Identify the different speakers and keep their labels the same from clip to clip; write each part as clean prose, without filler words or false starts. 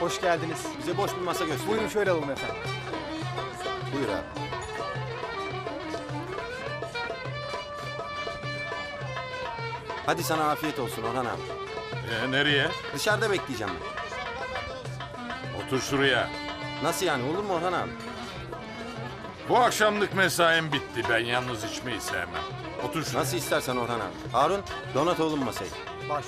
Speaker 1: Hoş geldiniz.
Speaker 2: Bize boş bir masa göster.
Speaker 1: Buyurun şöyle alalım efendim.
Speaker 2: Buyur abi. Hadi sana afiyet olsun Orhan abi.
Speaker 3: Nereye?
Speaker 2: Dışarıda bekleyeceğim ben.
Speaker 3: Otur şuraya.
Speaker 2: Nasıl yani, olur mu Orhan abi?
Speaker 3: Bu akşamlık mesaim bitti. Ben yalnız içmeyi sevmem. Otur şuraya.
Speaker 2: Nasıl istersen Orhan abi. Harun, donat oğlum masayı.
Speaker 1: Baş.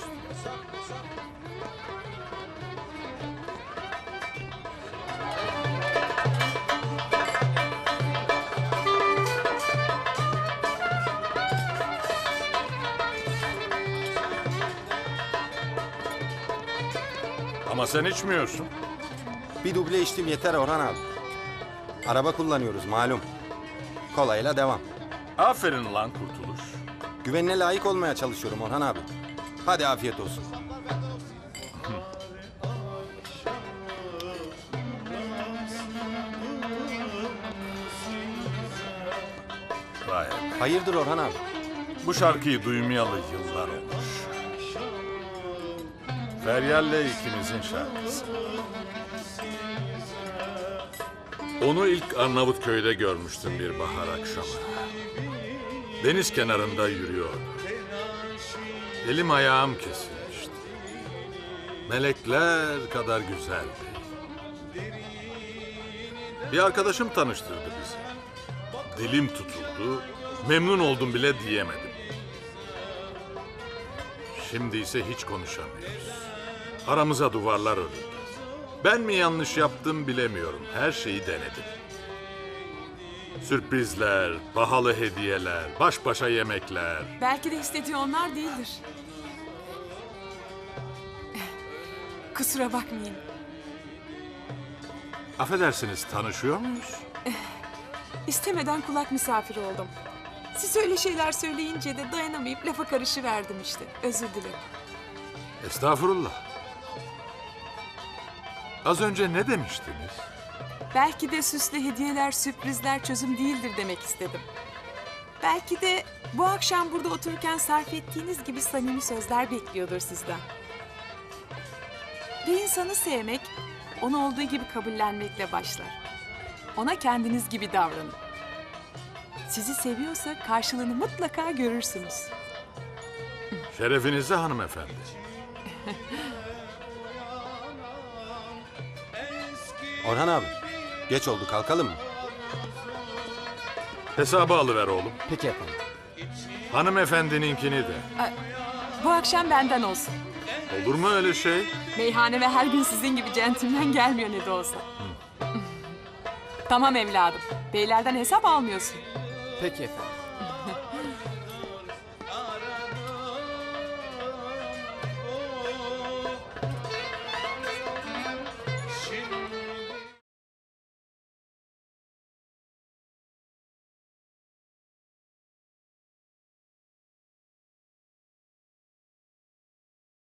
Speaker 3: Ama sen içmiyorsun.
Speaker 2: Bir duble içtim yeter Orhan abi. Araba kullanıyoruz malum. Kolayla devam.
Speaker 3: Aferin lan Kurtuluş.
Speaker 2: Güvenine layık olmaya çalışıyorum Orhan abi. Hadi afiyet olsun.
Speaker 3: Vay be.
Speaker 2: Hayırdır Orhan abi?
Speaker 3: Bu şarkıyı duymayalı yıllar olmuş. Feryal'le ikimizin şarkısı. Onu ilk Arnavutköy'de görmüştüm bir bahar akşamı. Deniz kenarında yürüyordu. Elim ayağım kesilmişti. Melekler kadar güzeldi. Bir arkadaşım tanıştırdı bizi. Dilim tutuldu, memnun oldum bile diyemedim. Şimdi ise hiç konuşamıyoruz. Aramıza duvarlar örüldü. Ben mi yanlış yaptım bilemiyorum. Her şeyi denedim. Sürprizler, pahalı hediyeler, baş başa yemekler.
Speaker 4: Belki de istediği onlar değildir. Kusura bakmayın.
Speaker 3: Affedersiniz, tanışıyor muyuz?
Speaker 4: İstemeden kulak misafiri oldum. Siz öyle şeyler söyleyince de dayanamayıp lafa karışıverdim işte. Özür dilerim.
Speaker 3: Estağfurullah. Az önce ne demiştiniz?
Speaker 4: Belki de süslü hediyeler, sürprizler çözüm değildir demek istedim. Belki de bu akşam burada otururken sarf ettiğiniz gibi samimi sözler bekliyordur sizden. Bir insanı sevmek, onu olduğu gibi kabullenmekle başlar. Ona kendiniz gibi davranın. Sizi seviyorsa karşılığını mutlaka görürsünüz.
Speaker 3: Şerefinize hanımefendi.
Speaker 2: Orhan abi, geç oldu, kalkalım mı?
Speaker 3: Hesabı alıver oğlum.
Speaker 1: Peki efendim.
Speaker 3: Hanımefendininkini de.
Speaker 4: Bu akşam benden olsun.
Speaker 3: Olur mu öyle şey?
Speaker 4: Meyhaneme her gün sizin gibi centilmen gelmiyor ne de olsa. Tamam evladım. Beylerden hesap almıyorsun.
Speaker 1: Peki efendim.